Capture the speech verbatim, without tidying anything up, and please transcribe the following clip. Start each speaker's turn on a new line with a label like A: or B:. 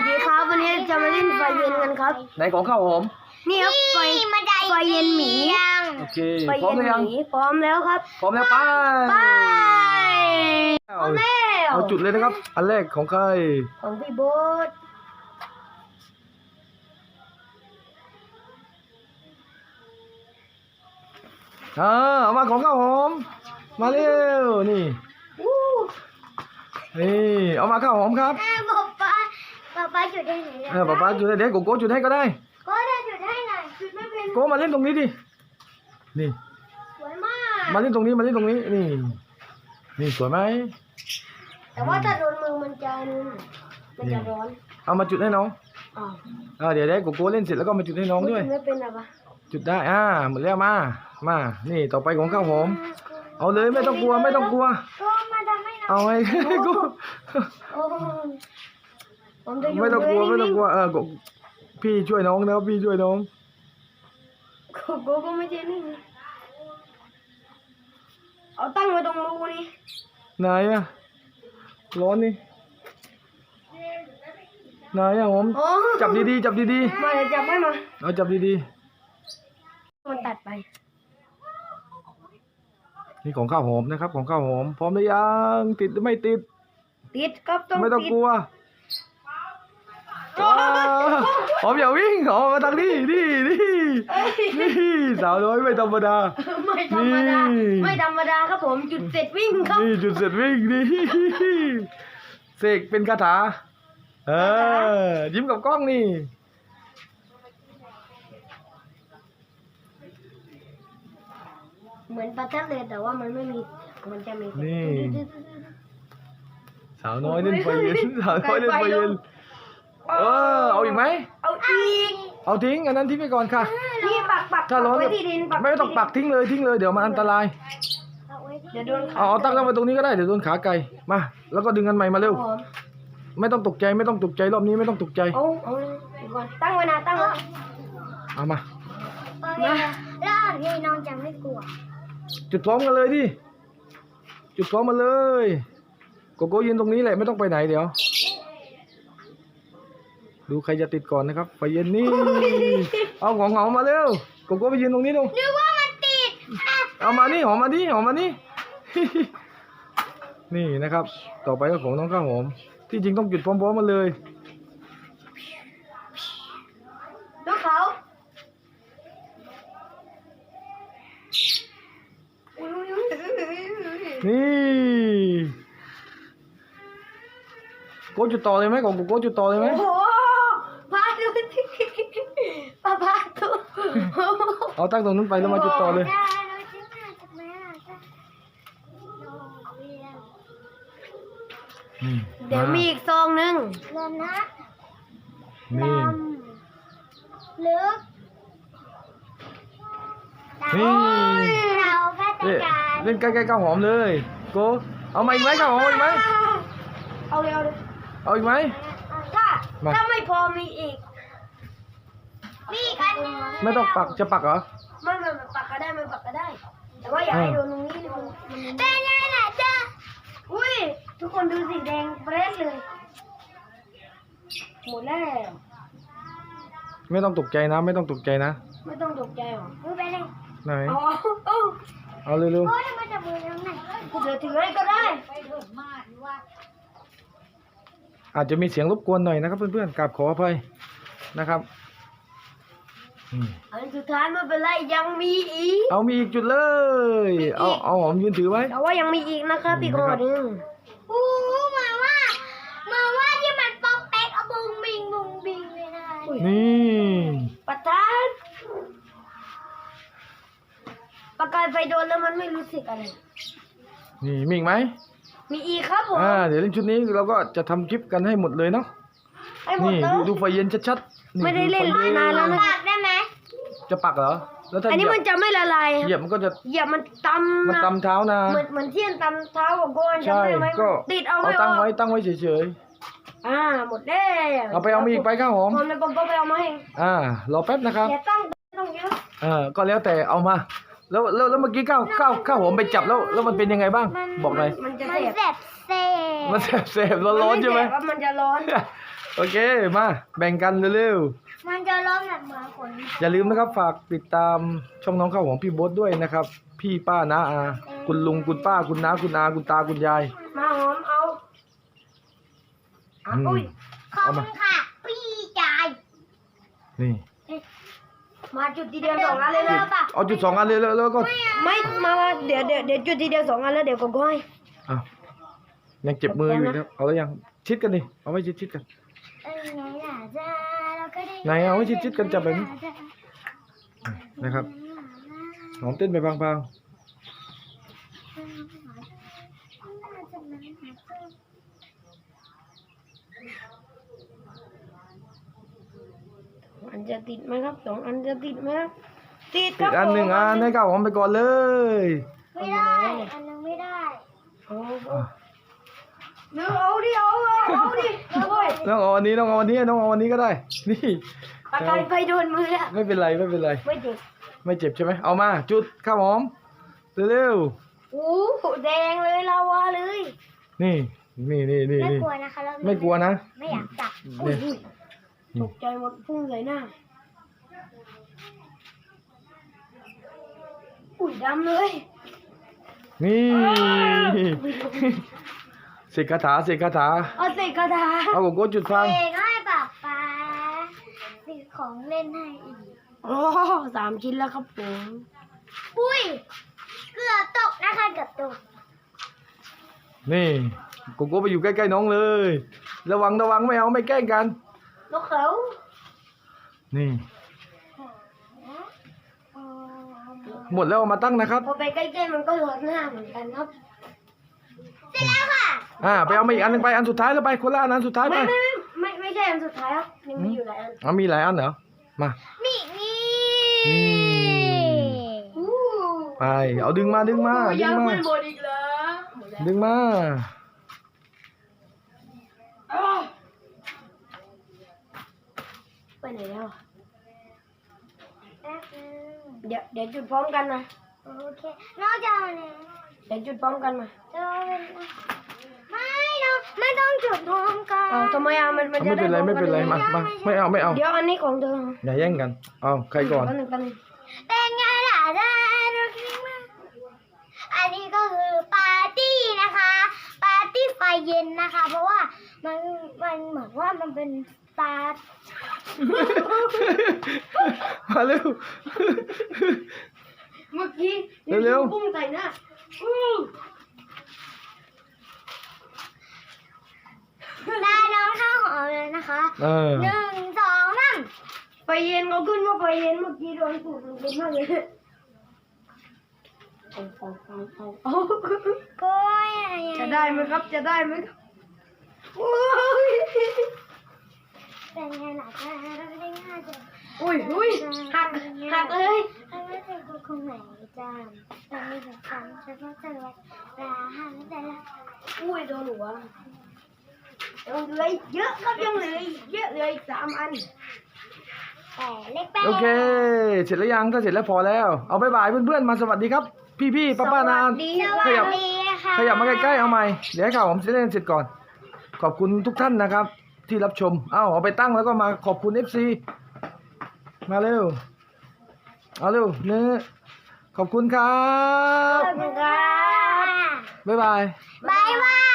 A: ดีครับวันนี้จะมาเล่นไฟเย็นกันครับ
B: ไหนของข้าวหอม
A: นี่ครับไฟไฟเย็นหมี
B: โอเค
A: ไฟ
B: พร้อม
A: เย็น
B: หรือยัง
A: หมีพร้อมแล้วครับ
B: พร้อมแล้วไป
A: ไปพร้อมแล้ว
B: เอาจุดเลยนะครับอันแรกของใคร
A: ของพี่โบ๊ท
B: อ่าเอามาของข้าวหอมมาเร็วนี่นี่เอามาข้าวหอมครับ
A: ป๊าป๊าป๊าป๊าจุดให้หน่อย
B: เออป๊าป๊าจุดให้เด็กโกโก้จุดให้ก็ได้
A: ก็ได้จุดให้หน่อยจุดไม่เป็น
B: โก้มาเล่นตรงนี้ดินี่
A: สวยมาก
B: มาเล่นตรงนี้มาเล่นตรงนี้นี่นี่สวยไหม
A: แต่ว่าถ้าโดนมือมันจะมันจะร้อน
B: เอามาจุดให้น้อง
A: อ๋อ
B: อ่าเดี๋ยวได้โกโก้เล่นเสร็จแล้วก็มาจุดให้น้องด้วย
A: ไม่เป็นอะไร
B: จุดได้อ่าหมดแล้วมามานี่ต่อไปของข้าวหอมเอาเลยไม่ต้องกลัวไม่ต้องกลัวเอาไงกูไม่ต้องกลัวไม่ต้องกลัวเออพี่ช่วยน้องนะพี่ช่วยน้อง
A: กูก็ไม่ใช่นี่เอาตั้งไว้ตรงรูนี่
B: นายอะร้อนนี่นายอะหอมจับดีๆจับดี
A: ๆมาจับให้มา
B: เอาจับดี
A: ๆมันตัดไป
B: นี่ของข้าวหอมนะครับของข้าวหอมพร้อมหรือยังติดหรือไม่ติด
A: ติดครับต้อง
B: ไม่ต้องกลัวหอมอย่าวิ่งหอมมาทางนี้นี่นี่นี่สาวน้อยไม่ธรรมดา
A: ไม่ธรรมดาไม่ธรรมดาครับผมจุดเสร็จวิ่งครับ
B: นี่จุดเสร็จวิ่งนี่เสกเป็นคาถาเออยิ้มกับกล้องนี่
A: เหมือนประทัดเลยแต่ว่ามันไม่มีมันจะมี
B: นี่สาวน้อยเล่นไฟเย็นสาวน้อยเล่นไฟเย็นเออเอาอีกไหม
A: เอาอีก
B: เอาทิ้งอันนั้นทิ้งไปก่อนค่ะ
A: นี่ปักปัก
B: ถ้าร้อนไม่ต้องปักทิ้งเลยทิ้งเลยเดี๋ยวมันอันตราย
A: เดี๋ยวโดน
B: เอาเอาตั้งตั้งไว้ตรงนี้ก็ได้เดี๋ยวโดนขาไก่มาแล้วก็ดึงกันใหม่มาเร็วไม่ต้องตกใจไม่ต้องตกใจรอบนี้ไม่ต้องตกใจ
A: เอาเอาก่อนตั้งไว้นะตั้งไว้
B: เอามา
A: แล้วพี่น้องจะไม่กลัว
B: จุดพร้อมกันเลยดิจุดพร้อมมาเลยโกโก้ยืนตรงนี้แหละไม่ต้องไปไหนเดี๋ยวดูใครจะติดก่อนนะครับไฟเย็นนี่เอาของหอมมาเร็วโกโก้ไปยืนตรงนี้ดู
A: นึกว่ามันติด
B: เอามานี่หอมมานี่หอมมานี่นี่นะครับต่อไปก็ของน้องข้าวหอมที่จริงต้องจุดพร้อมๆมาเลย
A: ดูเขา
B: นี่โก้จุดต่อเลยไหมของโก้จุดต่อเลยไหม
A: โอ้พาดูสิป้าพาดู
B: เอาตั้งตรงนู้นไปแล้วมาจุดต่อเลย
A: เดี๋ยวมีอีกซองหนึ่งเริ่มนะ
B: นี่
A: ลึก
B: นี่เล่นใกล้ๆข้าวหอมเลยโกเอามาอีกไหมข้าวหอมอีกไหม
A: เอาเลยเอาเลย
B: เอาอีกไหม
A: ถ้าถ้าไม่พอมีอีกมีอีกอันนึง
B: ไม่ต้องปักจะปักเหรอ
A: ไม่ไม่ปักก็ได้ไม่ปักก็ได้แต่ว่าอย่าให้โดนตรงนี้มันเป็นไงล่ะจ๊ะอุ้ยทุกคนดูสีแดงเปรี้ยเลยหมดแล้ว
B: ไม่ต้องตกใจนะไม่ต้องตกใจนะ
A: ไม่ต้องตกใจหรอไปเลย
B: ไหน
A: เอาเอา
B: เอาเร็วๆ
A: เดี๋ยวถือให้ก็ได้
B: อาจจะมีเสียงรบกวนหน่อยนะครับเพื่อนๆกราบขออภัยนะครับ
A: อันสุดท้ายไม่เป็นไรยังมีอีก
B: เอามีอีกจุดเลยเอาเอาหอมยืนถือไว้
A: แต่ว่ายังมีอีกนะครับอีกคนหนึ่งโอ้มาว่ามาว่าที่มันป๊อกแป๊กเอาบุงบิงบุงบิงเลยนะ
B: นี่
A: ประทัดประกายไฟโดนแล้วมันไม่รู้สึกอะไร
B: นี่มีอีกไหม
A: มีอีกครับผม
B: อ่าเดี๋ยวเล่นชุดนี้เราก็จะทำคลิปกันให้หมดเลยเนาะนี่ดูดูไฟเย็นชัด
A: ๆไม่ได้เล่นนานแล้วนะปักได้ไหม
B: จะปักเหรอแล้วถ้า
A: อันนี้มันจะไม่ละลาย
B: เหยียบมันก็จะ
A: เหยียบมันตำ
B: มันตำเท้านะ
A: เหมือนเหมือนเทียนตำเท้าของโกน
B: ใช่ก็
A: ติดเอา
B: ไว้ตั้งไว้ตั้งไว้เฉย
A: ๆอ่าหมดแล้ว
B: เอาไปเอามีอีกไปข้าวหอม
A: ผมแล้วผมก็ไปเอามาให้
B: อ่ารอแป๊บนะครับ
A: อย่าตั้งต้องเยอะ
B: เออก็แล้วแต่เอามาแล้วแล้วแล้วเมื่อกี้ข้าวข้าวข้าวหอมไปจับแล้วแล้วมันเป็นยังไงบ้างบอกหน่อย
A: มันจะแสบแสบ
B: มันแสบแสบร้อนร้อนใช่ไหม
A: มันจะร้อน
B: โอเคมาแบ่งกันเร็ว
A: มันจะร้องแบบเหมือนคน
B: ๆอย่าลืมนะครับฝากติดตามช่องน้องข้าวหอมพี่โบ๊ทด้วยนะครับ พี่ป้าน้าอาคุณลุงคุณป้าคุณน้าคุณอาคุณตาคุณยาย
A: มาหอมเอาอ่ะ
B: อืม
A: อุ้ยขอบ
B: เอา
A: คุ
B: มา
A: ณค่ะ พี่จาย
B: นี่
A: มาจุดทีเดียวสองอันเลยนะป่ะ
B: เอาจุดสองอันเลยแล้วแล้วก็
A: ไม่มามาเดี๋ยวเดี๋ยวเดี๋ยวจุดทีเดียวสองอันแล้วเดี๋ยวก็ก้อย
B: อ้าวยังเจ็บมืออยู่ครับเอาแล้วยังชิดกันดิเอาไว้ชิดชิดๆกัน ไหนเอาไว้ชิดๆกันจับแบบนี้ นะครับหอมเต้นไปพัง
A: อันจะติดไหมครับสองอันจะติดไหมครับติด
B: ๆ
A: ค
B: ติ
A: รับ
B: ดอันหนึ่งอันให้ข้าวหอมไปก่อนเลย
A: ไม่ได้ อันนึงไม่ได้เอาเนื้อเอาดิเอาเอาเอาดิเอาเลย
B: ต้องเอาอันนี้ต้องเอาอันนี้ต้องเอาอันนี้ก็ได้ นี่
A: ปากกาไปโดนมือแล้ว
B: ไม่เป็นไรไม่เป็นไร
A: ไม่เจ็บ
B: ไม่เจ็บใช่ไหมเอามาจุดข้าวหอมเร็ว
A: โอ้โหแดงเลยลาวาเลย
B: ๆนี่นี่นี่นี่
A: ไม่
B: นี่
A: กลัวนะคะเรา
B: ไม่กลัวนะ
A: ไม่อยากจับ
B: นี่
A: ตกใจหมดพุ่งใส่หน้าอุ้ยดำเลย
B: นี่เสกคาถาเสกคาถา
A: เอาใส่กระดาษ
B: เอาโกโก้จุดฟัง
A: เองให้ป๊าป๊าซื้อของเล่นให้อีกโอ้สามชิ้นแล้วครับผมอุ้ยเกือบตกนะคะเกือบตก
B: นี่โกโก้ไปอยู่ใกล้ๆน้องเลย ระวังระวังไม่เอาไม่แกล้งกัน
A: นกเขา
B: นี่ หมดแล้วเอามาตั้งนะครับ
A: พอไปใกล้ๆมันก็ลดหน้าเหมือนกันครับเสร็จแล้วค่ะ
B: อ่าไปเอามาอีกอันหนึงไปอันสุดท้ายแล้วไปคนละอันอันสุดท้ายไป
A: ไม่ไม่ไม่ไม่ไม่ใช่อันสุดท้ายครับยังมีอยู่หลายอัน
B: เอามีหลายอันเหรอมา
A: นี่นี่
B: นี่
A: อู้
B: ไปเอาดึงมาดึงมาดึ
A: ยัง ง
B: มา
A: ไม่หมดอีกเหรอ
B: ดึงมา
A: อ้าวไปไหนแล้วอะเดี๋ยวเดี๋ยวจุดพร้อมกันนะโอเคนอกจากนี้เดี๋ยวจุดพร้อมกันมาไม่เราไม่ต้องจุดพร้อมกันเอาทำไมอ่ะมันมันจะ
B: ไม่เป็นไร
A: ด้
B: ไม่เป็นไร
A: พ
B: มา
A: ร้อ
B: มา
A: กั
B: ไม่เอาไม่เอา
A: เดี๋ยวอันนี้ของเธอ
B: อย่าแย่งกันเอาใครก่อน
A: แป๊บนึงแป๊บนึงเป็นไงล่ะได้รักนี้มากอันนี้ก็คือปาร์ตี้นะคะ ปาร์ตี้ไฟเย็นนะคะ เพราะว่ามันมันเหมือนว่ามันเป็นปาร์
B: มาเร็ว
A: เมื่อกี้
B: เร็วๆ
A: ปุ้งใส่หน้าอู้ได้น้องข้าวหอมเลยนะคะ
B: เออ
A: หนึ่งสองสามไฟเย็นเขาขึ้นว่าไฟเย็นเมื่อกี้โดนสูดมันเป็นมากเลยเอาเอาเอาเอาเอาก็จะได้ไหมครับจะได้ไหมครับโอ้ยเป็นไงล่ะจะเราได้ง่ายจังอุ้ยอุ้ยหักหักเลยไม่เป็นคนคงไหนจ้าแต่ไม่ถึงคำฉันก็จะรักลาหันแต่ละอุ้ยโดนหัวยังเหลืออีกเยอะครับยังเหลืออีกเยอะเหลืออีกสามอันแต่เล็กแป้ง
B: โอเค เสร็จแล้วยังถ้าเสร็จแล้วพอแล้ว เอาบายบายเพื่อนๆมาสวัสดีครับ พี่ๆป้าๆนาน
A: ดี
B: ขยับ
A: ค่ะ
B: ขยับมาใกล้ๆเอาใหม่เดี๋ยวให้ข่าวผมเล่นเสร็จก่อน ขอบคุณทุกท่านนะครับ ที่รับชมเอ้าเอาไปตั้งแล้วก็มาขอบคุณ เอฟ ซี มาเร็วเอาเร็วเนื้อขอบคุณครับ
A: ขอบคุณค่ะ
B: บ๊ายบาย
A: บายบาย